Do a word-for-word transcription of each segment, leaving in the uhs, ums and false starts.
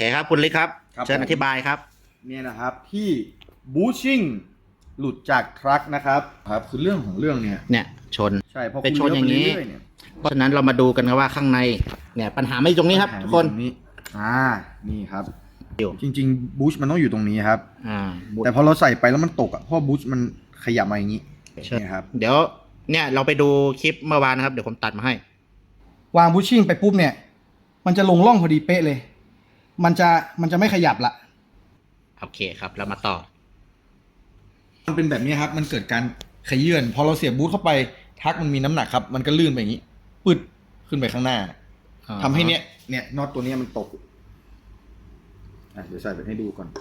ครับคุณลิศครับครับเชิญผมอธิบายครับเนี่ยนะครับที่บูชิ่งหลุดจากทรัคนะครับครับคือเรื่องของเรื่องเนี่ยเนี่ยชนใช่พอไปคุณชนเลี้ยวอย่างไปนี้เรื่อยๆเนี่ยเพราะฉะนั้นเรามาดูกันครับว่าข้างในเนี่ยปัญหาไม่อยู่ตรงนี้ครับปัญหาทุกคนอยู่ตรงนี้อ่านี่ครับอยู่จริงๆบูชมันต้องอยู่ตรงนี้ครับอ่าแต่พอเราใส่ไปแล้วมันตกอ่ะเพราะบูชมันขยับมาอย่างนี้เชิญนี่ครับเดี๋ยวเนี่ยเราไปดูคลิปเมื่อวานนะครับเดี๋ยวผมตัดมาให้วางบูชชิ่งไปปุ๊บเนี่ย มันจะลงร่องพอดีเป๊ะเลย มันจะมันจะไม่ขยับละโอเคครับเรามาต่อมันเป็นแบบนี้ครับมันเกิดการขยื่นพอเราเสียบบูทเข้าไปทักมันมีน้ำหนักครับ มันก็ลื่นไปอย่างนี้ปึ๊ดขึ้นไปข้างหน้าอ่าทำให้เนี้ยเนี่ยน็อตตัวเนี้ยมันตกอ่ะเดี๋ยวใส่ไปให้ดูก่อน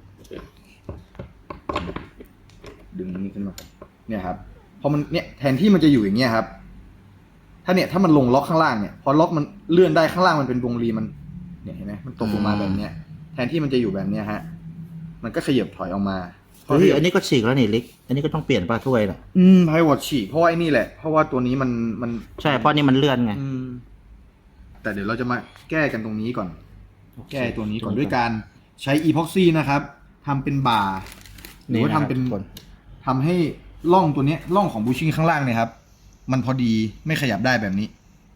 ดึงนี้ขึ้นมาเนี่ยครับพอมันเนี่ยแทนที่มันจะอยู่อย่างเงี้ยครับ ถ้าเนี่ยถ้ามันลงล็อกข้างล่างเนี่ยพอล็อกมันเลื่อนได้ข้างล่างมันเป็นวงรีมันเนี่ยเห็นไหมมันตกลงมาแบบเนี้ยแทนที่มันจะอยู่แบบเนี้ยฮะมันก็ขยับถอยออกมาเฮ้ยอันนี้ก็ฉีกแล้วนี่ลิศอันนี้ก็ต้องเปลี่ยนป้าถ้วยนะอืมไพวอตฉีกเพราะว่าไอ้นี่แหละเพราะว่าตัวนี้มันมันใช่เพราะนี่มันเลื่อนไงอืมแต่เดี๋ยวเราจะมาแก้กันตรงนี้ก่อน แก้ตัวนี้ก่อนด้วยการใช้อีพ็อกซี่นะครับทำเป็นบ่าหรือว่าทำเป็นนี่ะครับทุกคนทำให้ร่องตัวเนี้ยร่องของบูชิ่งข้างล่างเนี่ยครับ มันพอดีไม่ขยับได้แบบนี้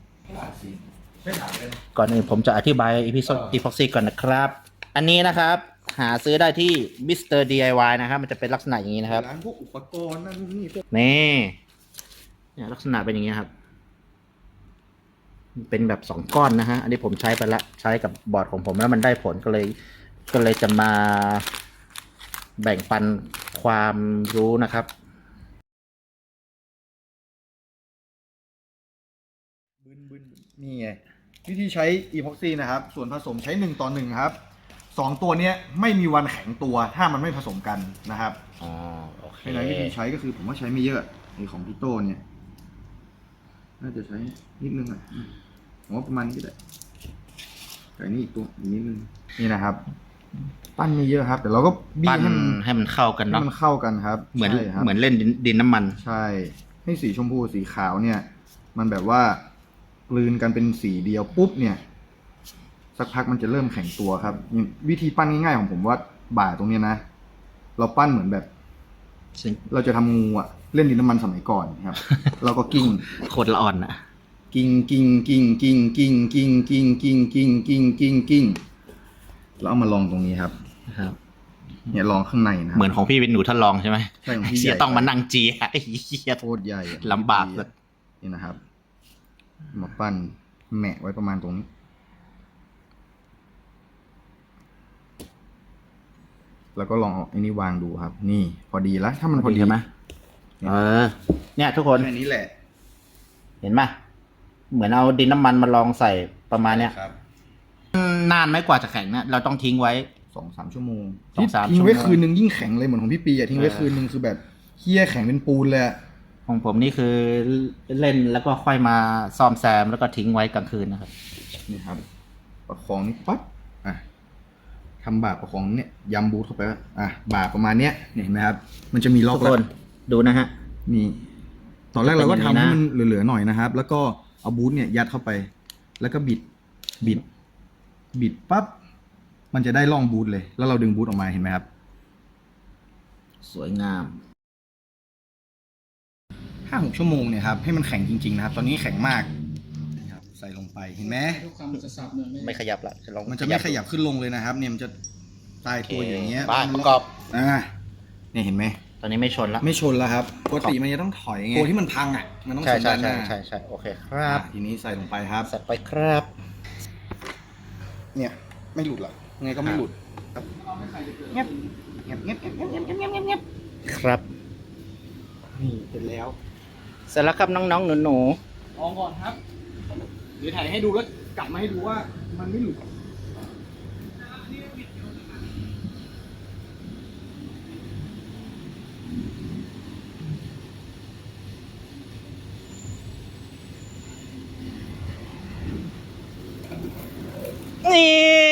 ก่อนอื่นผมจะอธิบายอีพิโซดอีพ็อกซี่ก่อนนะครับ อันนี้นะครับหาซื้อได้ที่ มิสเตอร์ ดี ไอ วาย นะครับมันจะเป็นลักษณะอย่างนี้นะครับร้านพวกอุปกรณ์นั่นนู่นนี่พวกนี่เนี่ยลักษณะเป็นอย่างนี้ครับ เป็นแบบสองก้อนนะฮะ อันนี้ผมใช้ไปละใช้กับบอร์ดของผมแล้วมันได้ผลก็เลย ก็เลยจะมาแบ่งปันความรู้นะครับบึนบึนนี่ไงวิธีใช้อีพ็อกซี่นะครับ ส่วนผสมใช้หนึ่งต่อหนึ่งครับสองตัวเนี้ยไม่มีวันแข็งตัวถ้ามันไม่ผสมกันนะครับอ๋อโอเคในวิธีใช้ก็คือผมว่าใช้ไม่เยอะไอของพี่โต้เนี่ยน่าจะใช้นิดนึงอ่ะอืมผมว่าประมาณนี้ก็ได้แต่นี่อีกตัวอีกนิดนึงนี่นะครับ ปั้นไม่เยอะครับแต่เราก็บี้ปั้นให้มันให้มันเข้ากันให้เนาะมันเข้ากันครับเหมือนใช่ครับเหมือนเล่นดินดินน้ำมันใช่ ให้สีชมพูสีขาวเนี่ย มันแบบว่ากลืนกันเป็นสีเดียวปุ๊บเนี่ย สักพักมันจะเริ่มแข็งตัวครับนี่วิธีปั้นง่ายๆของผมว่าบ่าตรงเนี้ยนะ เราปั้นเหมือนแบบ เราจะทำงูอะเล่นดินน้ำมันสมัยก่อนครับ เราก็กิ้งโคตรละอ่อนอะกิ้งกิ้งกิ้งกิ้งกิ้งกิ้งกิ้งกิ้งกิ้งกิ้งกิ้งกิ้งแล้วเอามาลองตรงนี้ครับนะครับเนี่ยลองข้างในนะเหมือนของพี่เป็นหนูทดลองใช่ไหมใช่ของพี่เสียใหญ่ต้องมานั่งจีไอ้เหี้ยโคตรใหญ่อะลำบากเลยนี่นะครับ มาปั้นแหมะไว้ประมาณตรงนี้ แล้วก็ลองเอาไอ้นี่วางดูครับ นี่ พอดีแล้วถ้ามันพอดีใช่ไหมเออ เนี่ยทุกคนแค่นี้แหละเห็นไหมเหมือนเอาดินน้ำมันมาลองใส่ประมาณเนี้ยครับนานไหมกว่าจะแข็งเนี่ยเราต้องทิ้งไว้สองสามชั่วโมงสองสามทิ้งไว้ชั่วโมงคืนนึงยิ่งแข็งเลยเหมือนของพี่ปีอะทิ้งไว้เออคืนนึงคือแบบเคี้ยแข็งเป็นปูนเลยอะของผมนี่คือเล่นแล้วก็ค่อยมาซ่อมแซมแล้วก็ทิ้งไว้กลางคืนนะครับนี่ครับ ประคองนี่ปั๊บอ่ะทำบ่าประคองเนี่ยยำบูทเข้าไปอ่ะบ่าประมาณเนี้ยเนี่ยเห็นไหมครับ มันจะมีล็อทุกกแล้วคนดูนะฮะนี่ตอนแรกเราก็ทำจะเป็นอย่างนี้นะให้มันเหลือๆหน่อยนะครับ แล้วก็เอาบูทเนี่ยยัดเข้าไป แล้วก็บิด บิด บิดปั๊บ มันจะได้ร่องบูทเลย แล้วเราดึงบูทออกมาเห็นไหมครับสวยงามห้าหกชั่วโมงเนี่ยครับ ให้มันแข็งจริงๆนะครับ ตอนนี้แข็งมากนะครับ ใส่ลงไป เห็นไหมไม่ขยับละจะลองมันจะไม่ขยับขึ้นลงเลยนะครับ เนี่ยมันจะตายตัวอยู่อย่างเงี้ยบ้านประกอบอ่าเนี่ยเห็นไหมตอนนี้ไม่ชนละไม่ชนแล้วครับ ปกติมันจะต้องถอยไง ตัวที่มันพังอ่ะ มันต้องใช่ชนใช่ด้านหใช่น้าใช่ใช่โอเคครับอ่ะทีนี้ใส่ลงไปครับใส่ไปครับเนี่ยไม่หลุดหรอกยังไงก็ไม่หลุดครับเงียบเงียบเงียบเงียบเงียบเงียบเงียบเงียบเงียบครับนี่เสร็จแล้วเสร็จแล้วครับน้องๆหนูลองก่อนครับ เดี๋ยวถ่ายให้ดูแล้วกลับมาให้ดูว่ามันไม่หลุดๆนี่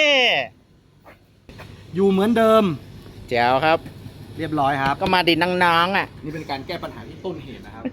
อยู่เหมือนเดิมแจ๋วครับเรียบร้อยครับก็มาดินน้องๆอ่ะนี่เป็นการแก้ปัญหาที่ต้นเหตุนะครับ